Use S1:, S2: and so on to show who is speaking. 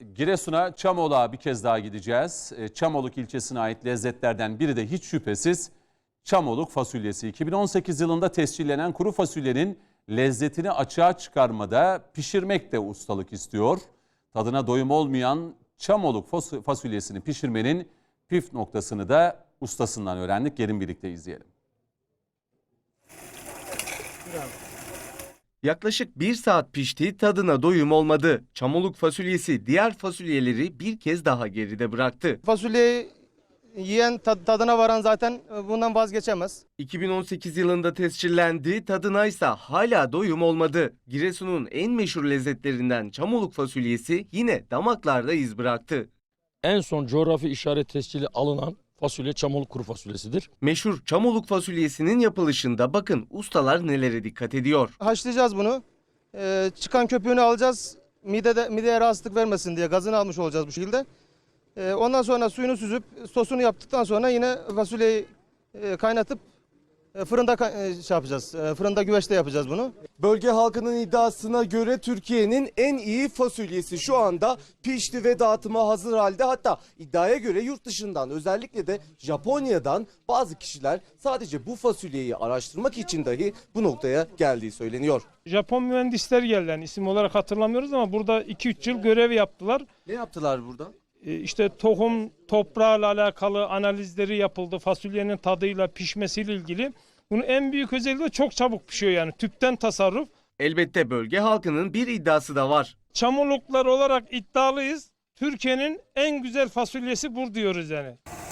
S1: Giresun'a, Çamoluk'a bir kez daha gideceğiz. Çamoluk ilçesine ait lezzetlerden biri de hiç şüphesiz Çamoluk fasulyesi. 2018 yılında tescillenen kuru fasulyenin lezzetini açığa çıkarmada pişirmek de ustalık istiyor. Tadına doyum olmayan Çamoluk fasulyesini pişirmenin püf noktasını da ustasından öğrendik. Gelin birlikte izleyelim.
S2: Yaklaşık 1 saat pişti, tadına doyum olmadı. Çamoluk fasulyesi diğer fasulyeleri bir kez daha geride bıraktı.
S3: Fasulyeyi yiyen tadına varan zaten bundan vazgeçemez.
S2: 2018 yılında tescillendi, tadına ise hala doyum olmadı. Giresun'un en meşhur lezzetlerinden Çamoluk fasulyesi yine damaklarda iz bıraktı.
S4: En son coğrafi işaret tescili alınan fasulye Çamoluk kuru fasulyesidir.
S2: Meşhur Çamoluk fasulyesinin yapılışında bakın ustalar nelere dikkat ediyor.
S3: Haşlayacağız bunu. Çıkan köpüğünü alacağız. Mideye rahatsızlık vermesin diye gazını almış olacağız bu şekilde. Ondan sonra suyunu süzüp sosunu yaptıktan sonra yine fasulyeyi kaynatıp fırında yapacağız. Fırında güveçte yapacağız bunu.
S2: Bölge halkının iddiasına göre Türkiye'nin en iyi fasulyesi şu anda pişti ve dağıtıma hazır halde. Hatta iddiaya göre yurt dışından, özellikle de Japonya'dan bazı kişiler sadece bu fasulyeyi araştırmak için dahi bu noktaya geldiği söyleniyor.
S5: Japon mühendisler geldi, yani isim olarak hatırlamıyoruz ama burada 2-3 yıl görev yaptılar.
S2: Ne yaptılar burada?
S5: İşte tohum, toprağıyla alakalı analizleri yapıldı. Fasulyenin tadıyla, pişmesiyle ilgili. Bunun en büyük özelliği de çok çabuk pişiyor, yani tüpten tasarruf.
S2: Elbette bölge halkının bir iddiası da var.
S5: Çamoluklar olarak iddialıyız. Türkiye'nin en güzel fasulyesi bu diyoruz yani.